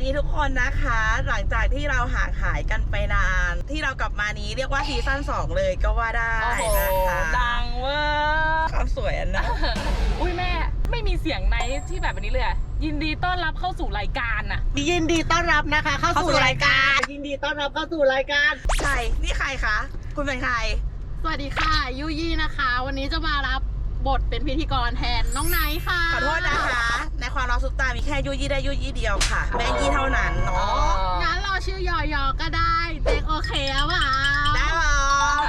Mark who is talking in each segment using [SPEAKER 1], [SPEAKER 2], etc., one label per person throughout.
[SPEAKER 1] ดีทุกคนนะคะหลังจากที่เราห่างหายกันไปนานที่เรากลับมานี้เรียกว่าซีซั่น2เลยก็ว่าได้นะคะ
[SPEAKER 2] ดังเวอร์
[SPEAKER 1] ความสวยนะ
[SPEAKER 2] อุ้ยแม่ไม่มีเสียงในที่แบบนี้เลยยินดีต้อนรับเข้าสู่รายการน่ะ
[SPEAKER 3] ยินดีต้อนรับนะคะเข้าสู่รายการยินดีต้อนรับเข้าสู่รายการ
[SPEAKER 1] ใครนี่ใครคะคุณเป็นใคร
[SPEAKER 4] สวัสดีค่ะยุยี่นะคะวันนี้จะมารับบทเป็นพิธีกรแทนน้องไนท์ค่ะ
[SPEAKER 1] ขอโทษนะคะในความรักซุปตามีแค่ยุยี่ได้ยุยี่เดียวค่ะแม่ยี่เท่านั้นเนาะ
[SPEAKER 4] งั้นเราชื่อยอยอก็ได้เจ๊โอเคหรือเปล่า
[SPEAKER 1] ได้หรอ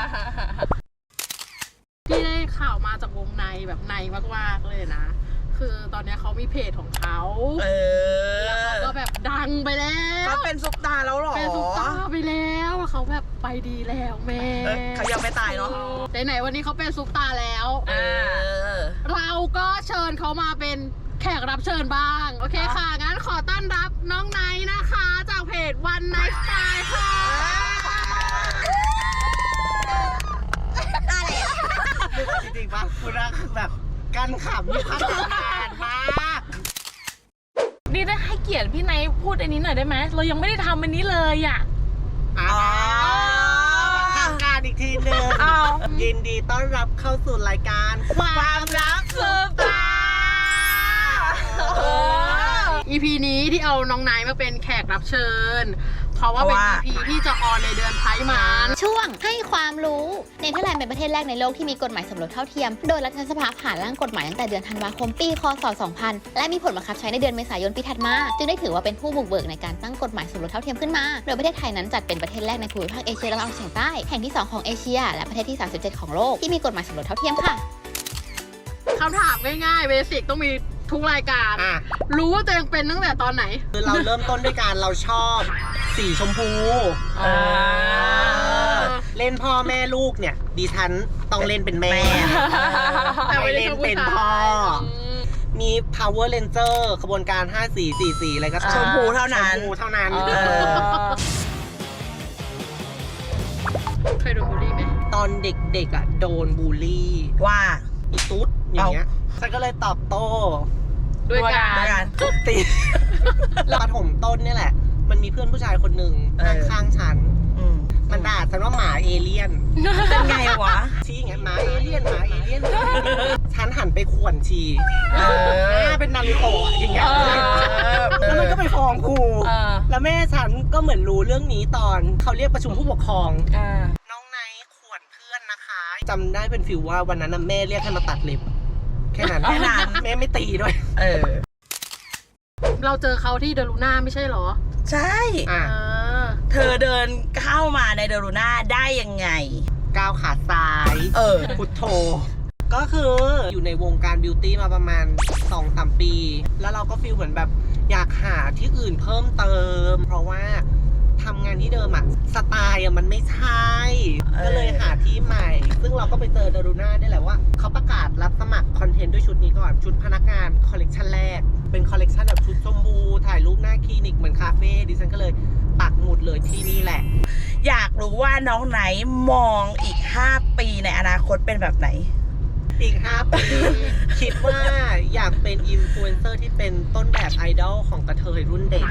[SPEAKER 4] ที่ได้ข่าวมาจากวงในแบบในมากๆเลยนะคือตอนนี้เขามีเพจของเขาแล้วเขาก็แบบดังไปแล้ว
[SPEAKER 1] เขาเป็นซุปตาแล้วหรอ
[SPEAKER 4] เป็นซุปตาไปแล้วเขาแบบไปดีแล้วแม่
[SPEAKER 1] เขายังไม่ตายเนาะ
[SPEAKER 4] ไหนวันนี้เขาเป็นซุปตาแล้วเราก็เชิญเขามาเป็นแขกรับเชิญบ้างโอเคค่ะงั้นขอต้อนรับน้องไนท์นะคะจากเพจวันไนท์สไตล์ค่ะ
[SPEAKER 3] จริงๆป่ะคุณรักแบบกันขำอยู่ข้างนานมาก
[SPEAKER 2] นี่ได้ให้เกียรติพี่ไนท์พูดอันนี้หน่อยได้ไหมเรายังไม่ได้ทำอันนี้เลยอ่ะ
[SPEAKER 3] ทางการอีกทีหนึ่งยินดีต้อนรับเข้าสู่รายการ
[SPEAKER 1] ความรักซุปตา
[SPEAKER 4] EP นี้ที่เอาน้องไนท์มาเป็นแขกรับเชิญเพราะว่าเป็น EP ที่จะออนในเดือนไพร์มัน
[SPEAKER 5] ช่วงให้ความรู้เนเธอร์แลนด์เป็นประเทศแรกในโลกที่มีกฎหมายสมรสเท่าเทียมโดยรัฐสภาผ่านร่างกฎหมายตั้งแต่เดือนธันวาคมปีค.ศ. 2000และมีผลบังคับใช้ในเดือนเมษายนปีถัดมาจึงได้ถือว่าเป็นผู้บุกเบิกในการตั้งกฎหมายสมรสเท่าเทียมขึ้นมาโดยประเทศไทยนั้นจัดเป็นประเทศแรกในภูมิภาคเอเชียตะวันออกเฉียงใต้แห่งที่2ของเอเชียและประเทศที่37ของโลกที่มีกฎหมายสมรสเท่าเทียมค่ะ
[SPEAKER 4] คำถามง่ายๆเบสิกต้องมีทุกรายการรู้ว่าตัวเองเป็นตั้งแต่ตอนไหน
[SPEAKER 3] คือเราเริ่มต้นด้วยการเราชอบสีชมพูเล่นพ่อแม่ลูกเนี่ยดิฉันต้องเล่นเป็นแม่ไม่เล่นเป็นพ่อมี Power Ranger ขบวนการ5444อะไรก็
[SPEAKER 1] ชมพูเท่านั้น
[SPEAKER 4] เคยโดนบูลลี่ไหม
[SPEAKER 3] ตอนเด็กๆอ่ะโดนบูลลี่
[SPEAKER 1] ว่า
[SPEAKER 3] อีตุ๊ดอย่างเงี้ยฉันก็เลยตอบโต้
[SPEAKER 4] ด้วยการ
[SPEAKER 3] ทุบตีแล้วปฐมต้นนี่แหละมันมีเพื่อนผู้ชายคนหนึ่งนั่งข้างฉันมันด่าฉันว่าหมาเอเลี่ยน
[SPEAKER 1] เป็นไงวะ
[SPEAKER 3] ชี้อย่างเงี้ยหมาเอเลี่ยนฉันหันไปข่วนชีเป็นนารูโตะอย่างเงี้ยแล้วมันก็ไปฟ้องครูแล้วแม่ฉันก็เหมือนรู้เรื่องนี้ตอนเขาเรียกประชุมผู้ปกครองน้องไนท์ข่วนเพื่อนนะคะจำได้เป็นฟิลว่าวันนั้นแม่เรียกให้มาตัดเล็บแค่นั้นแม่ไม่ตีด้วย
[SPEAKER 4] เราเจอเขาที่เดลูน่าไม่ใช่หรอ
[SPEAKER 1] ใช่เธอเดินเข้ามาในเดลูน่าได้ยังไง
[SPEAKER 3] ก้าวขาซ้ายพุทโธก็คืออยู่ในวงการบิวตี้มาประมาณ 2-3 ปีแล้วเราก็ฟีลเหมือนแบบอยากหาที่อื่นเพิ่มเติมเพราะว่าทำงานที่เดิมอะสไตล์มันไม่ใช่ก็เลยหาที่ใหม่ซึ่งเราก็ไปเจอเดลูน่าได้แหละว่าเขาประกาศรับสมัครคอนเทนต์ด้วยชุดนี้ก่อนชุดพนักงานคอลเลกชันแรกเป็นคอลเลกชันแบบชุดชมพูถ่ายรูปหน้าคลินิกเหมือนคาเฟ่ดิฉันก็เลยปักหมุดเลยที่นี่แหละ
[SPEAKER 1] อยากรู้ว่าน้องไหนมองอีก5 ปีในอนาคตเป็นแบบไหน
[SPEAKER 3] อีก5 ปีคิดว่าอยากเป็นอินฟลูเอนเซอร์ที่เป็นต้นแบบไอดอลของกระเทยรุ่นเด็ก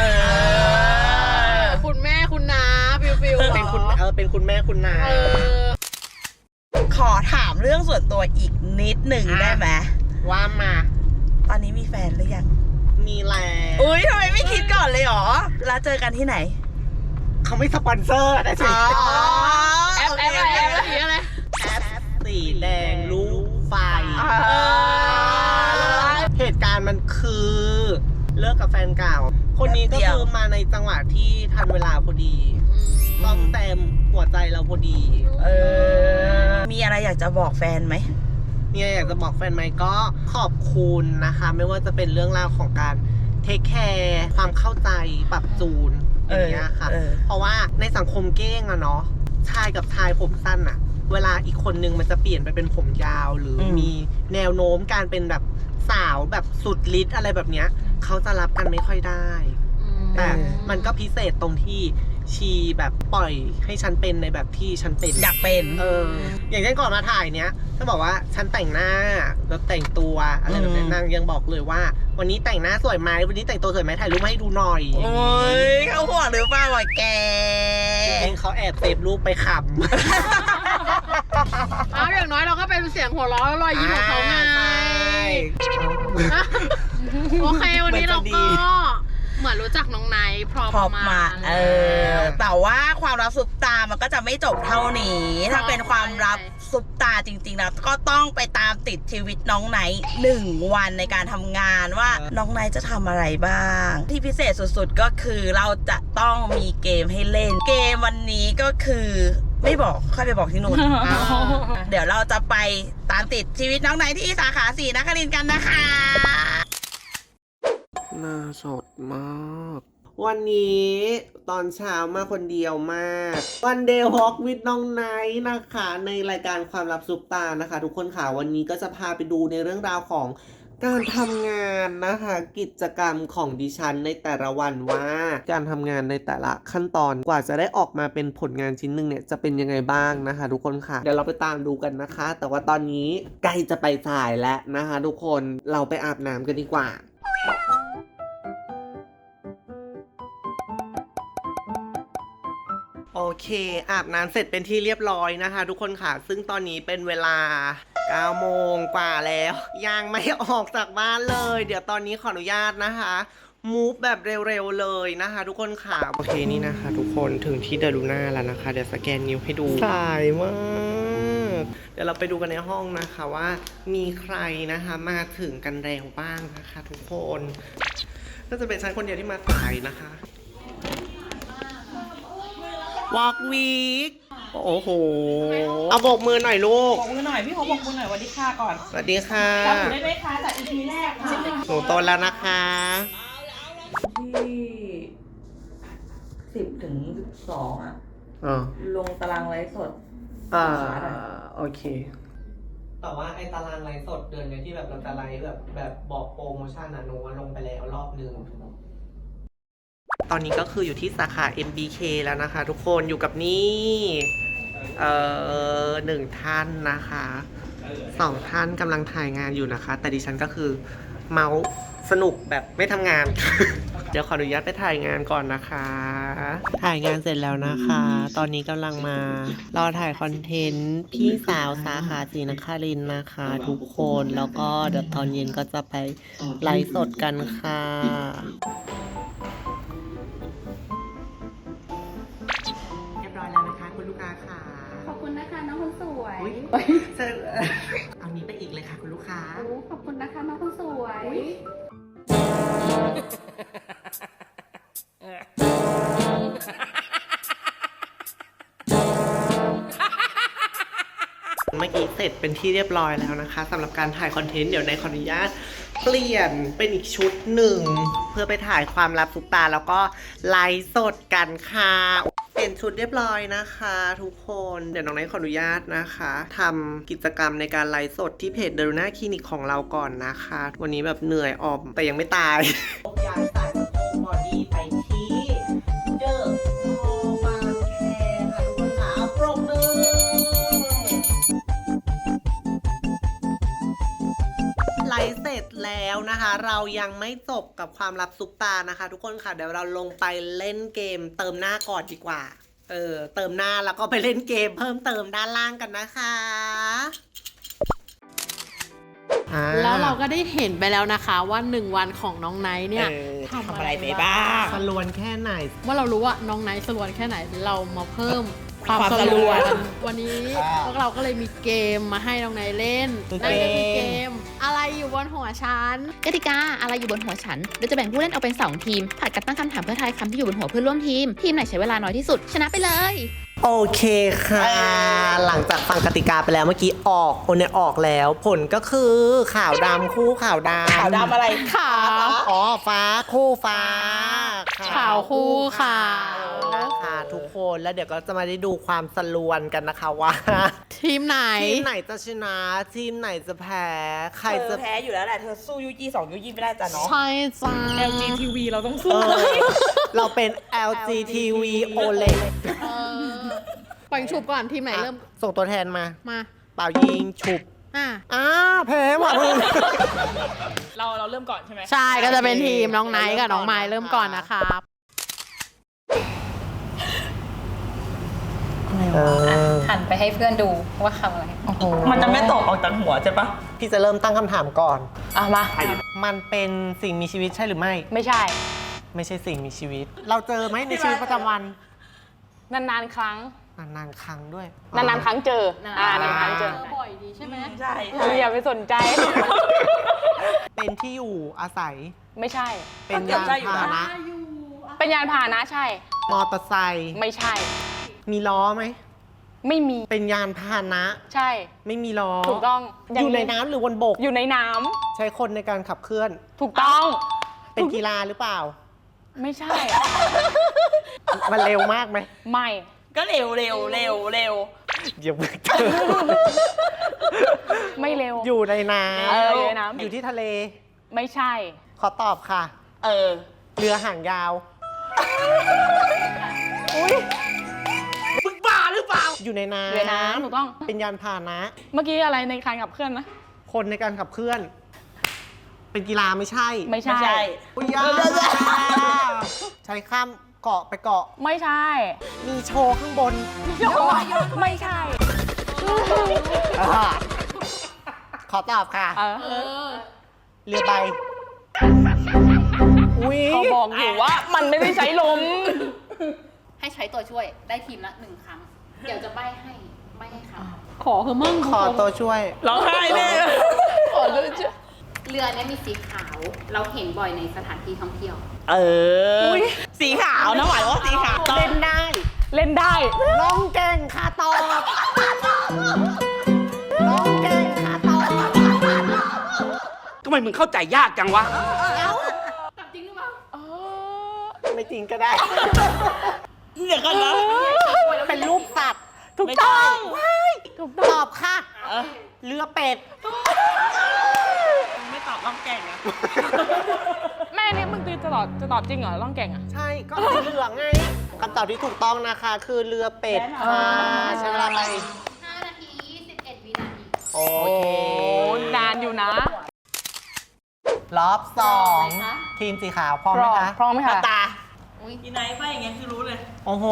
[SPEAKER 4] คุณแม่คุณน้าฟิว
[SPEAKER 3] เป็นคุณแม่คุณน้า
[SPEAKER 1] ขอถามเรื่องส่วนตัวอีกนิดหนึ่งได้ไหม
[SPEAKER 3] ว่ามา
[SPEAKER 1] ตอนนี้มีแฟนหรือยัง
[SPEAKER 3] มีแล้ว
[SPEAKER 1] อุ้ยทำไมไม่คิดก่อนเลยหรอแล้วเจอกันที่ไหน
[SPEAKER 3] เขาไม่สปอนเซอร์นะสิ
[SPEAKER 4] แอปอะไร
[SPEAKER 3] แอปสีแดงลูกไฟเหตุการณ์มันคือเลิกกับแฟนเก่าคนนี้ก็คือมาในจังหวะที่ทันเวลาพอดีต้องเต็มหัวใจเราพอดี
[SPEAKER 1] มีอะไรอยากจะบอกแฟนไหม
[SPEAKER 3] มีอะไรอยากจะบอกแฟนไหมก็ขอบคุณนะคะไม่ว่าจะเป็นเรื่องราวของการเทคแคร์ความเข้าใจปรับจูนอย่างเงี้ยค่ะเพราะว่าในสังคมเก้งอะเนาะชายกับชายผมสั้นอะเวลาอีกคนนึงมันจะเปลี่ยนไปเป็นผมยาวหรือมีแนวโน้มการเป็นแบบสาวแบบสุดฤทธิ์อะไรแบบเนี้ยเขาจะรับกันไม่ค่อยได้แต่มันก็พิเศษตรงที่ชีแบบปล่อยให้ฉันเป็นในแบบที่ฉันเป็น
[SPEAKER 1] อยากเป็น
[SPEAKER 3] อย่างเช่นก่อนมาถ่ายเนี้ยถ้าบอกว่าฉันแต่งหน้าแล้วแต่งตัวอะไรแบบนี้นางยังบอกเลยว่า วันนี้แต่งหน้าสวยไหมวันนี้แต่งตัวสวยไหมถ่ายรูปมาให้ดูหน่อย
[SPEAKER 1] โอ้ยเขาห่วงหรือเปล่าวะแก
[SPEAKER 3] เองเขาแอบเซฟรูปไปขำ
[SPEAKER 4] เอาอย่างน้อยเราก็เป็นเสียงหัวเราะและรอยยิ้มของเขาไง โอเควันนี้เราก็เหมือนรู้จักน้องไนท์พร้อม
[SPEAKER 1] พอมา
[SPEAKER 4] มา
[SPEAKER 1] แต่ว่าความรักซุปตามันก็จะไม่จบเท่านี้ ถ้าเป็นความรักซุปตาจริงๆนะก็ต้องไปตามติดชีวิตน้องไนท์1 วันในการทำงานว่าน้องไนท์จะทำอะไรบ้าง ที่พิเศษสุดๆก็คือเราจะต้องมีเกมให้เล่น เกมวันนี้ก็คือไม่บอกค่อยไปบอกที่นู่น เดี๋ยวเราจะไปตามติดชีวิตน้องไนท์ที่สาขา4นครินทร์กันนะคะ
[SPEAKER 3] น่าสดมาก วันนี้ตอนเช้ามาคนเดียวมาก วันเดย์วอล์กวิดน้องไนท์นะคะ ในรายการความลับซุปตานะคะ ทุกคนค่ะวันนี้ก็จะพาไปดูในเรื่องราวของการทำงานนะคะ กิจกรรมของดิฉันในแต่ละวันว่าการทำงานในแต่ละขั้นตอนกว่าจะได้ออกมาเป็นผลงานชิ้นหนึ่งเนี่ยจะเป็นยังไงบ้างนะคะ ทุกคนค่ะเดี๋ยวเราไปตามดูกันนะคะ แต่ว่าตอนนี้ใกล้จะไปถ่ายแล้วนะคะ ทุกคนเราไปอาบน้ำกันดีกว่า โอเคอาบน้ำเสร็จเป็นที่เรียบร้อยนะคะ ทุกคนค่ะซึ่งตอนนี้เป็นเวลา 9 โมงกว่าแล้วยังไม่ออกจากบ้านเลย เดี๋ยวตอนนี้ขออนุญาตนะคะมูฟแบบเร็วๆเลยนะคะ ทุกคนค่ะโอเคนี่นะคะ ทุกคนถึงที่เดลูน่าแล้วนะคะเดี๋ยวสแกนนิ้วให้ดูสายมากเดี๋ยวเราไปดูกันในห้องนะคะว่ามีใครนะคะมาถึงกันเร็วบ้างนะคะ ทุกคนก็จะเป็นฉันคนเดียวที่มาสายนะคะวอล์กวีคโอ้โหเอาโบกมือหน่อยลูก
[SPEAKER 1] บอกมือหน่อยพี่เขาบอกมือหน่อยสวัสดีค่ะก่อน
[SPEAKER 3] สวัสดีค่ะ
[SPEAKER 1] จำหนูได้ไหมคะจาก EP แรกค่ะ
[SPEAKER 3] หนูโตแล้วนะคะ
[SPEAKER 1] ที่10 ถึง 12 อ่ะ ลงตารางไลฟ์สด
[SPEAKER 3] โอเคแต่ว่าไอ้ตารางไลฟ์สดเดือนนี้ที่แบบเราจะไลฟ์แบบบอกโปรโมชั่นอะหนูลงไปแล้วรอบนึงตอนนี้ก็คืออยู่ที่สาขา MBK แล้วนะคะ ทุกคนอยู่กับนี่1 ท่านนะคะ2 ท่านกำลังถ่ายงานอยู่นะคะ แต่ดิฉันก็คือเมาส์สนุกแบบไม่ทำงาน เดี๋ยวขออนุญาตไปถ่ายงานก่อนนะคะ ถ่ายงานเสร็จแล้วนะคะ ตอนนี้กำลังมารอถ่ายคอนเทนต์พี่สาวสาขาศรีนครินทร์นะคะ ทุกคนแล้วก็เดี๋ยวตอนเย็นก็จะไปไลฟ์สดกันค่ะ เรียบร้อยแล้วนะคะคุณลูกค้าค่ะ
[SPEAKER 4] ขอบคุณนะคะน้องคนสวย
[SPEAKER 3] เอานี้ไปอีกเลยค่ะคุณลูกค้า
[SPEAKER 4] ขอบคุณนะคะน้องคนสวย
[SPEAKER 3] เมื่อกี้เสร็จเป็นที่เรียบร้อยแล้วนะคะสำหรับการถ่ายคอนเทนต์เดี๋ยวในขออนุญาตเปลี่ยนเป็นอีกชุดหนึ่งเพื่อไปถ่ายความลับซุปตาแล้วก็ไลฟ์สดกันค่ะเปลี่ยนชุดเรียบร้อยนะคะ ทุกคนเดี๋ยวน้องไนท์ขออนุญาตนะคะทำกิจกรรมในการไลฟ์สดที่เพจเดลูน่าคลินิกของเราก่อนนะคะ วันนี้แบบเหนื่อยออมแต่ยังไม่ตายย้ายสายสะโพกบอดี้ไปที่เดอะมอลล์บางแคค่ะทุกคนค่ะปรบมือไลฟ์เสร็จแล้วนะคะเรายังไม่จบกับความลับซุปตานะคะทุกคนค่ะเดี๋ยวเราลงไปเล่นเกมเติมหน้าก่อนดีกว่าเติมหน้าแล้วก็ไปเล่นเกมเพิ่มเติมด้านล่างกันนะคะ
[SPEAKER 4] แล้วเราก็ได้เห็นไปแล้วนะคะว่า1 วันของน้องไนท์เนี่ย
[SPEAKER 1] ทำอะไรไปบ้าง
[SPEAKER 3] สลวนแค่ไหน
[SPEAKER 4] ว่าเรารู้ว่าน้องไนท์สลวนแค่ไหนเรามาเพิ่มความ
[SPEAKER 1] ความ
[SPEAKER 4] ส
[SPEAKER 1] ส
[SPEAKER 4] ล
[SPEAKER 1] ล
[SPEAKER 4] ว
[SPEAKER 1] วน น
[SPEAKER 4] วันนี้พวกเราก็เลยมีเกมมาให้น้องไนท์เล่นนั่นก็คือเกมอะไรอยู่บนหัวฉัน
[SPEAKER 5] กติกาอะไรอยู่บนหัวฉันโดยจะแบ่งผู้เล่นออกเป็น2 ทีมผลัดกันตั้งคำถามเพื่อทายคำที่อยู่บนหัวเพื่อนร่วมทีมทีมไหนใช้เวลาน้อยที่สุดชนะไปเลย
[SPEAKER 3] โอเคค่ะ หลังจากฟังกติกาไปแล้วเมื่อกี้ออกแล้วผลก็คือขาวดำคู่ขาวดำ
[SPEAKER 1] ขาวดำอะไร
[SPEAKER 4] ขาว
[SPEAKER 3] อ๋อฟ้าคู่ฟ้า
[SPEAKER 4] ขาวคู่ขาว
[SPEAKER 3] นะคะนะคะทุกคนแล้วเดี๋ยวก็จะมาได้ดูความสลวนกันนะคะว่า
[SPEAKER 4] ทีมไหน
[SPEAKER 3] ทีมไหนจะชนะทีมไหนจะแพ้ใคร
[SPEAKER 1] เธ
[SPEAKER 3] จะ
[SPEAKER 1] อแพ้อยู่แล้วแหละ เธอสู้ยูจี2ยูจีไม่ได้จ้ะเนาะ
[SPEAKER 4] ใช่จ้า
[SPEAKER 2] LGTV เราต้อง
[SPEAKER 3] เอ
[SPEAKER 2] สู้
[SPEAKER 3] อเราเป็น LGTV OLED
[SPEAKER 4] ปล่อยฉุบก่อนทีมไหนเริ่ม
[SPEAKER 3] ส่งตัวแทนมา
[SPEAKER 4] มา
[SPEAKER 3] เป่ายิงฉุบ แพ้ว่ะมึง
[SPEAKER 2] เราเริ่มก่อนใช่ไหม
[SPEAKER 4] ใช่ก็จะเป็นทีมน้องไนท์กับน้องไม้เริ่มก่อนนะครับ
[SPEAKER 6] หันไปให้เพื่อนดูว่าคำอะไร
[SPEAKER 1] มันจะไม่ตกออกจากหัวใช่ปะ
[SPEAKER 3] พี่จะเริ่มตั้งคำถามก่อน
[SPEAKER 6] มา
[SPEAKER 3] มันเป็นสิ่งมีชีวิตใช่หรือไม่
[SPEAKER 6] ไม่ใช่
[SPEAKER 3] ไม่ใช่สิ่งมีชีวิต เราเจอไหมในชีวิตประจำวัน
[SPEAKER 2] นานๆครั้ง
[SPEAKER 3] นานๆครั้งด้วย
[SPEAKER 2] นานๆครั้งเจอ นานๆครั้งเจอ
[SPEAKER 4] บ่อยดีใช่ไหม
[SPEAKER 1] ใช่
[SPEAKER 2] อย่าไปสนใจ
[SPEAKER 3] เป็นที่อยู่อาศัย
[SPEAKER 2] ไม่ใช่
[SPEAKER 3] เป็นยานพาหนะ
[SPEAKER 2] เป็นยานพาหนะใช่
[SPEAKER 3] มอเตอร์ไซค์
[SPEAKER 2] ไม่ใช่
[SPEAKER 3] มีล้อไหม
[SPEAKER 2] ไม่มี
[SPEAKER 3] เป็นยานพาหนะ
[SPEAKER 2] ใช่
[SPEAKER 3] ไม่มีล้อ
[SPEAKER 2] ถูกต้อง
[SPEAKER 3] อยู่ในน้ำหรือบนบก
[SPEAKER 2] อยู่ในน้
[SPEAKER 3] ใช้คนในการขับเคลื่อน
[SPEAKER 2] ำถูกต้อง
[SPEAKER 3] เป็นกีฬาหรือเปล่า
[SPEAKER 2] ไม่ใช่
[SPEAKER 3] มันเร็วมากไหม
[SPEAKER 2] ไม่
[SPEAKER 1] ก็เร็วเร็วเร็วเร็ว
[SPEAKER 3] เดี๋ยวมึงเจอ
[SPEAKER 2] ไม่เร็ว
[SPEAKER 3] อยู่ในน้
[SPEAKER 2] อยู่ในน้ำ
[SPEAKER 3] อยู่ที่ทะเล
[SPEAKER 2] ไม่ใช่
[SPEAKER 3] ขอตอบค่ะ
[SPEAKER 1] เออ
[SPEAKER 3] เรือหางยาว
[SPEAKER 1] มึงบ้าหรือเปล่า
[SPEAKER 3] อยู่ในน้ำ
[SPEAKER 2] อยู่ในน้ำถูกต้อง
[SPEAKER 3] เป็นยานพาหนะ
[SPEAKER 2] เมื่อกี้อะไรในการขับเคลื่อนนะ
[SPEAKER 3] คนในการขับเคลื่อน เป็นกีฬาไม่ใช่
[SPEAKER 2] ไม่
[SPEAKER 1] ไม่ใช่
[SPEAKER 3] อุ๊ยยากใช้ข้ามเกาะไปเกาะ
[SPEAKER 2] ไม่ใช่
[SPEAKER 3] มีโชว์ข้างบน
[SPEAKER 2] ไม่ใช่
[SPEAKER 3] ขอตอบค่ะ
[SPEAKER 2] เออ
[SPEAKER 3] เรือใบ อุ้ย
[SPEAKER 2] เขาบอกอยู่ว่ามันไม่ได้ใช้ลม
[SPEAKER 5] ให้ใช้ตัวช่วยได้ทีมละ1 ครั้ง เดี๋ยวจะใบ้ให้คำ
[SPEAKER 4] ขอเธอมั่ง
[SPEAKER 3] ขอตัวช่วย
[SPEAKER 1] ร้องไห้แน่
[SPEAKER 2] ขอดูจ้ะ
[SPEAKER 5] เรือเนี้มีสีขาว เราเห็นบ่อยในสถานที่ท่องเที่ยว
[SPEAKER 1] เออ สีขาวนะหวายว่าสีขาว
[SPEAKER 3] เล่นได้
[SPEAKER 2] เล่นได้
[SPEAKER 3] ร้องเก่งค่ะตอบร้องเก่งค่ะตอบ
[SPEAKER 7] ทำไมมึงเข้าใจยากจังวะ
[SPEAKER 3] ไม่จริงก็ได้
[SPEAKER 1] เดี๋ยวกันนะ
[SPEAKER 3] เป็นรูปสัตว์
[SPEAKER 2] ถูกต้อง ถูกต้อง
[SPEAKER 3] ตอบค่ะ เรือเป็ด
[SPEAKER 1] ไม่ตอบร้องแก่งอะ
[SPEAKER 2] แม่นี่มึงตีจะตอบจริงเหรอร่องเก่งอ่ะ
[SPEAKER 3] ใช่ก็สีเหลืองไงคำตอบที่ถูกต้องนะคะ คือเรือเป็ดค่ะใช้เวลาไป
[SPEAKER 5] 5 นาที 21 วินาที
[SPEAKER 3] โอ
[SPEAKER 2] โอ้
[SPEAKER 3] เค
[SPEAKER 2] นานอยู่นะ
[SPEAKER 3] รอบสองทีมสีขาวพร้อมไหมคะ
[SPEAKER 2] พร้อมไหมคะ
[SPEAKER 1] ตาอีไนท์ไปอย่างเงี้ยคือรู้เลย
[SPEAKER 3] โอ้โห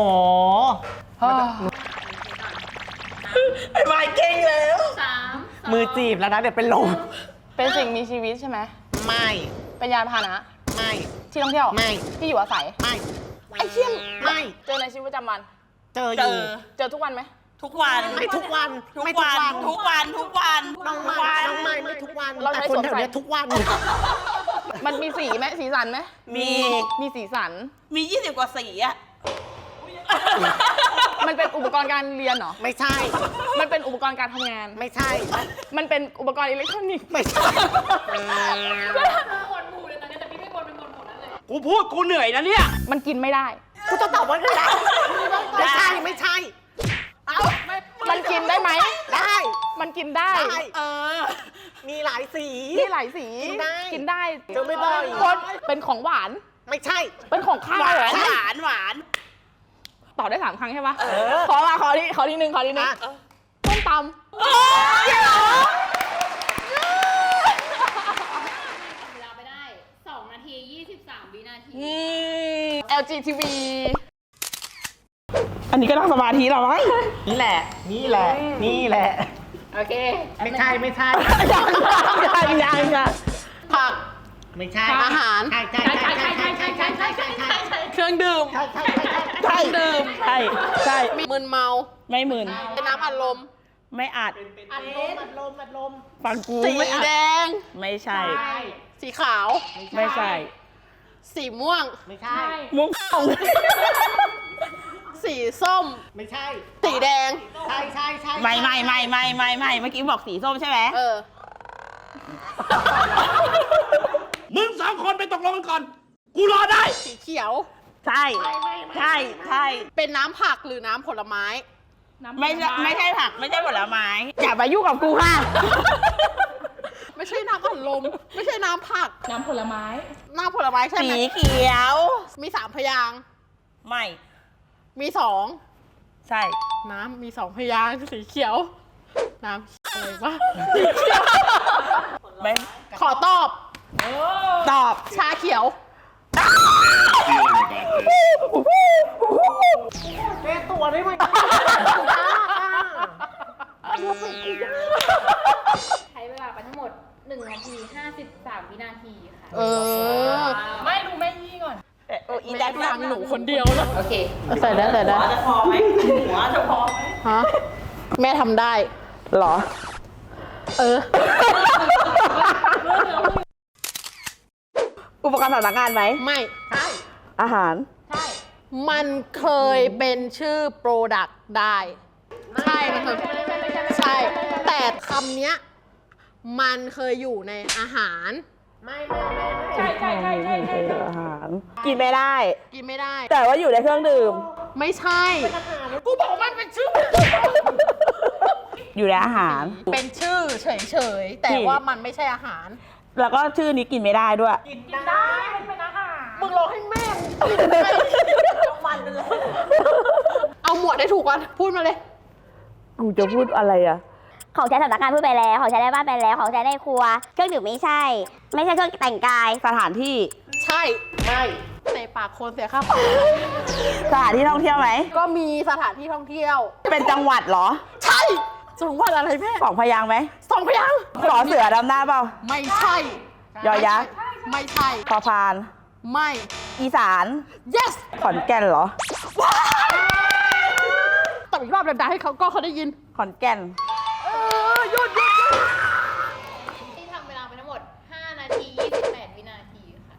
[SPEAKER 1] ไอ้วายเก่งแล้ว
[SPEAKER 3] มือจีบแล้วนะ เดี๋ยวเป็นลม
[SPEAKER 2] เป็นสิ่งมีชีวิตใช่ไหม
[SPEAKER 3] ไม่
[SPEAKER 2] เป็นยานพาหนะ
[SPEAKER 3] ไม่
[SPEAKER 2] ที่ท่องเที่ยว
[SPEAKER 3] ไม่
[SPEAKER 2] ที่อยู่อาศัย
[SPEAKER 3] ไม่
[SPEAKER 2] ไอ้เชี่ยม
[SPEAKER 3] ไม่
[SPEAKER 2] เจอในชีวิตประจำวัน
[SPEAKER 3] เจออ
[SPEAKER 1] เจ
[SPEAKER 3] ยู่
[SPEAKER 1] อ
[SPEAKER 2] เจอทุกวันไหม
[SPEAKER 1] ทุกวัน
[SPEAKER 3] ไม่ทุกวัน
[SPEAKER 1] ทุก
[SPEAKER 3] ไม่
[SPEAKER 1] วัน ทุกวัน ทุกวัน
[SPEAKER 3] น้องไม้น้องไม้ไม่ทุกวัน
[SPEAKER 2] เรา
[SPEAKER 3] แต่
[SPEAKER 2] ใช้
[SPEAKER 3] คน
[SPEAKER 2] สวม
[SPEAKER 3] แถว
[SPEAKER 2] ใส่
[SPEAKER 3] เนี้ยทุกวัน
[SPEAKER 2] มันมีสีไหมสีสันไหม
[SPEAKER 1] มี
[SPEAKER 2] มีสีสัน
[SPEAKER 1] มี 20 กว่าสีอะ
[SPEAKER 2] มันเป็นอุปกรณ์การเรียนเหรอ
[SPEAKER 3] ไม่ใช่
[SPEAKER 2] มันเป็นอุปกรณ์การทำงาน
[SPEAKER 3] ไม่ใช่
[SPEAKER 2] มันเป็นอุปกรณ์อิเล็กทรอนิกส์
[SPEAKER 3] ไม่ใช่
[SPEAKER 7] กูพูดกูเหนื่อยนะเนี่ย
[SPEAKER 2] มันกินไม่ได้
[SPEAKER 3] กูจะตอบว่าไม่ได้ไม่ใช่ ไม่ใช่
[SPEAKER 2] มันกินได้ไหม
[SPEAKER 3] ได้
[SPEAKER 2] มันกินได้
[SPEAKER 3] ได้ มีหลายสี
[SPEAKER 2] มีหลายสี
[SPEAKER 3] กินได้
[SPEAKER 2] กินได้
[SPEAKER 3] เจอไม่บ่อย
[SPEAKER 2] คนเป็นของหวาน
[SPEAKER 3] ไม่ใช่
[SPEAKER 2] เป็นของข้าว
[SPEAKER 1] หวา
[SPEAKER 2] เหรอ
[SPEAKER 1] น หวาน หวาน
[SPEAKER 2] ตอบได้3 ครั้งใช่ปะ
[SPEAKER 3] อ
[SPEAKER 2] ขอทีนึงส้มตำ
[SPEAKER 5] เวลาไปได้ 2 นาที 23 วินาที
[SPEAKER 2] LGTV
[SPEAKER 1] อันนี้ก็ต้องสมาธิเราไหม
[SPEAKER 3] นี่แหละ นี่แหละ นี่แหละ
[SPEAKER 5] โอเค
[SPEAKER 3] ไม่ใช่ ไม่ใช่
[SPEAKER 1] ยัง
[SPEAKER 4] ผัก
[SPEAKER 3] ไม่ใช่
[SPEAKER 4] อาหาร
[SPEAKER 3] ใช่ใช่ใช่ใช่ใช่ใช่ใช่ใช่ใช่ใช่
[SPEAKER 4] เครื่องดื่ม
[SPEAKER 3] ใช่ใช่
[SPEAKER 1] ใช่ดื่มใช่ ใช่
[SPEAKER 4] มึนเมา
[SPEAKER 1] ไม่หมื่น
[SPEAKER 4] เป็นน้ำอัดลม
[SPEAKER 1] ไม่อัด
[SPEAKER 3] อัดลม
[SPEAKER 1] ฟังกู
[SPEAKER 4] สี
[SPEAKER 1] ไม่อัด
[SPEAKER 4] แดง
[SPEAKER 1] ไม่ใช่
[SPEAKER 4] สีขาว
[SPEAKER 1] ไม่ใช่
[SPEAKER 4] สีม่วง
[SPEAKER 3] ไม่ใช่
[SPEAKER 1] มุ้งเข้า
[SPEAKER 4] สีส้ม
[SPEAKER 3] ไม่ใช่
[SPEAKER 4] สีแดง
[SPEAKER 3] ใช่ใช่ใช่
[SPEAKER 1] ไม่เมื่อกี้บอกสีส้มใช่ไหม
[SPEAKER 4] เออ
[SPEAKER 7] มึง2 คนไปตกลงกันก่อน กูรอได้
[SPEAKER 4] สีเขียว
[SPEAKER 1] ใช่ใช่ใช่
[SPEAKER 4] เป็นน้ำผักหรือน้ำผลไม้
[SPEAKER 1] ไม่ใช่ผักไม่ใช่ผลไม้อย่ามายุ่งกับกูค่ะ
[SPEAKER 4] ไม่ใช่น้ำอัดลม ไม่ใช่น้ำผัก
[SPEAKER 2] น้ำผลไม้
[SPEAKER 4] น้ำผลไม้ใช่
[SPEAKER 1] สี
[SPEAKER 4] ไหม
[SPEAKER 1] เขียว
[SPEAKER 4] มี3 พยางค์
[SPEAKER 1] ไม่
[SPEAKER 4] มี
[SPEAKER 1] ใช่
[SPEAKER 4] 2 น้ำมี2 พยางค์สีเขียว น้ำอะไรวะ
[SPEAKER 1] ไม่
[SPEAKER 4] ขอตอบ
[SPEAKER 1] ตอบ
[SPEAKER 4] ชาเขียว
[SPEAKER 3] แก้ตัวได้ไหม
[SPEAKER 6] ใช้เวลาไปทั้งหมด1 นาที 53 วินาทีค่ะ
[SPEAKER 4] เออ
[SPEAKER 2] ไม่ดูแม่ยี่ก่อน
[SPEAKER 1] อีแดก
[SPEAKER 4] ฟังหนูคนเดียวเลย
[SPEAKER 6] โอเค
[SPEAKER 4] ใส่ได้
[SPEAKER 1] หัวจะพอไหมหัวจะพอไหม
[SPEAKER 4] ฮะ แม่ทำได้
[SPEAKER 1] หรอ
[SPEAKER 4] เออ
[SPEAKER 1] อุปกรณ์สำนักงานไหม
[SPEAKER 4] ไม่
[SPEAKER 1] อาหาร
[SPEAKER 6] ใช่
[SPEAKER 4] มันเคยเป็นชื่อโปรดักต์ได้ ใช่ มันเคยใช่ แต่คำเนี้ย มันเคยอยู่ในอาหาร
[SPEAKER 2] ใช่ใช่ใช่ใช่ใช่
[SPEAKER 1] อาหาร กินไม่ได้
[SPEAKER 4] กินไม่ได้
[SPEAKER 1] แต่ว่าอยู่ในเครื่องดื่ม
[SPEAKER 4] ไม่ใช่ กูบอกมันเป็นชื่อ
[SPEAKER 1] อยู่ในอาหาร
[SPEAKER 4] เป็นชื่อเฉยๆ แต่ว่ามันไม่ใช่อาหาร
[SPEAKER 1] แล้วก็ชื่อนี้กินไม่ได้ด้วย
[SPEAKER 4] มึงรอให้แม่มึงกินได้เอาหมวดได้ถูกก่อน พูดมาเลย
[SPEAKER 1] กูจะพูดอะไรอะ
[SPEAKER 8] ของใช้สำนักงานพูดไปแล้ว ของใช้ในบ้านไปแล้ว ของใช้ในครัว เครื่องดื่มไม่ใช่ ไม่ใช่เครื่องแต่งกาย
[SPEAKER 1] สถานที่
[SPEAKER 4] ใช่ ไม่เตะปากคนเสียค่าปรับ
[SPEAKER 1] สถานที่ท่องเที่ยวไหม
[SPEAKER 4] ก็มีสถานที่ท่องเที่ยว
[SPEAKER 1] เป็นจังหวัดเหรอ
[SPEAKER 4] ใช่จังหวัดอะไรแม่
[SPEAKER 1] 2 พยางค์ไหม
[SPEAKER 4] 2 พยางค์
[SPEAKER 1] สอเสือดำหน้าเปล่า
[SPEAKER 4] ไม่ใช่
[SPEAKER 1] ยอยักษ์
[SPEAKER 4] ไม่ใช่
[SPEAKER 1] พอพาน
[SPEAKER 4] ไม่
[SPEAKER 1] อีสาน
[SPEAKER 4] yes
[SPEAKER 1] ขอนแก่นเหรอ
[SPEAKER 4] ตอบอีกรอบดังๆให้เขาได้ยิน
[SPEAKER 1] ขอนแก่น
[SPEAKER 4] หยุด
[SPEAKER 6] ที่ทำเวลาไปทั้งหมด 5 นาที 28 วินาทีค่ะ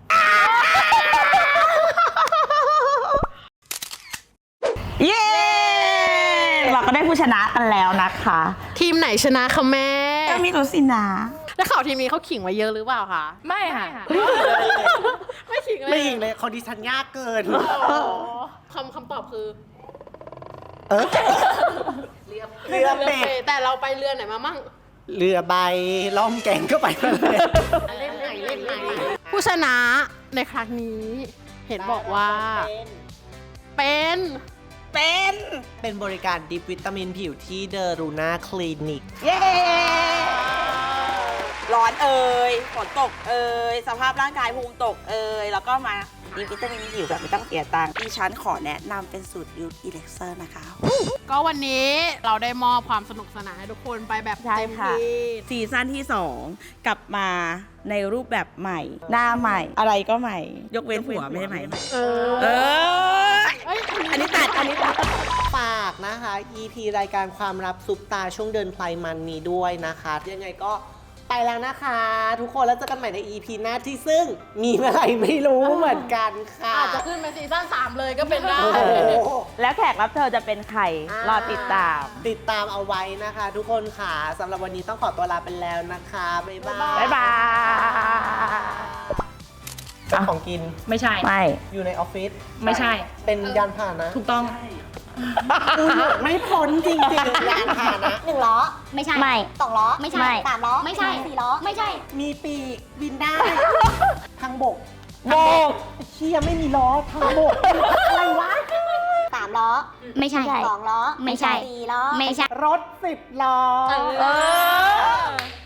[SPEAKER 1] เย้ เราก็ได้ผู้ชนะกันแล้วนะคะ
[SPEAKER 4] ทีมไหนชนะคะแม่
[SPEAKER 1] ก็มีตัวสินะ
[SPEAKER 4] แล้วข่าวทีมนี้เขาขิงไว้เยอะหรือเปล่าคะ
[SPEAKER 2] ไม่ค่ะ
[SPEAKER 4] ไม่ขิงเลย
[SPEAKER 3] ไม่ยิงเลยคอนดิชันยากเกิน
[SPEAKER 4] อ๋อคำตอบคือ
[SPEAKER 3] เออเรือเป็ด
[SPEAKER 4] แต่เราไปเรือไหนมามั่ง
[SPEAKER 3] เรือใบล่องแก่งก็ไปมาเลยเล่นไหน
[SPEAKER 4] ผู้ชนะในครั้งนี้เห็นบอกว่า เป็น
[SPEAKER 3] เป็นบริการดิปวิตามินผิวที่เดอรูน่าคลินิก
[SPEAKER 1] เย้ ร้อนเอ่ยฝนตกเอ่ยสภาพร่างกายภูมิตกเอ่ยแล้วก็มาดีวิตามินผิวแบบไม่ต้องเสียตังค์ดิฉันขอแนะนำเป็นสูตรยูทอีเล็กเซอร์นะคะ
[SPEAKER 4] ก็วันนี้เราได้มอบความสนุกสนานให้ทุกคนไปแบบ
[SPEAKER 1] ใช่
[SPEAKER 4] เต็ม
[SPEAKER 1] ค่ะ
[SPEAKER 4] ที่
[SPEAKER 1] ซีซั่นที่ 2 กลับมาในรูปแบบใหม่ หน้าใหม่ อะไรก็ใหม่ ยกเว้นผัวไม่ใช่ไหม
[SPEAKER 4] เอ
[SPEAKER 1] เอ
[SPEAKER 4] อ
[SPEAKER 1] อ อันนี้ตัด
[SPEAKER 3] ฝากนะคะ EP รายการความลับซุปตาช่วงเดินไพลมันนี้ด้วยนะคะ ยังไงก็ไปแล้วนะคะ ทุกคนแล้วเจอกันใหม่ใน EP หน้าที่ซึ่งมีเมื่อไหร่ไม่รู้เหมือนกันค่ะ
[SPEAKER 4] อาจจะขึ้นเป็นซีซั่น3เลยก็เป็นได้
[SPEAKER 3] โอ้โห
[SPEAKER 1] แล้วแขกรับเชิญจะเป็นใคร รอติดตาม
[SPEAKER 3] ติดตามเอาไว้นะคะ ทุกคนค่ะสำหรับวันนี้ต้องขอตัวลาไปแล้วนะคะ บ๊ายบาย
[SPEAKER 1] บ๊ายบาย
[SPEAKER 3] ของกิน
[SPEAKER 2] ไม่ใช่
[SPEAKER 1] ไม่
[SPEAKER 3] อยู่ในออฟฟิศ
[SPEAKER 2] ไม่ใช่
[SPEAKER 3] เป็นยานพาหนะ
[SPEAKER 2] ถูกต้อง
[SPEAKER 3] ไม่พ้นจริงๆยานพาหนะ
[SPEAKER 8] 1 ล้อ ไม่ใช่
[SPEAKER 1] ไม่
[SPEAKER 8] 2 ล้อ ไม่ใช่
[SPEAKER 1] ไม่
[SPEAKER 8] 3 ล้อ ไม่ใช่ 4 ล้อ ไม่ใช่
[SPEAKER 3] มีปีกบินได้ ทางบก
[SPEAKER 1] โบก
[SPEAKER 3] เชี่ยไม่มีล้อทางบกอะไรวะ
[SPEAKER 8] 3 ล้อ ไม่ใช่ 2 ล้อ ไม่ใช่ 4 ล้อ ไม่ใช่
[SPEAKER 3] รถ10 ล้อ
[SPEAKER 1] เออ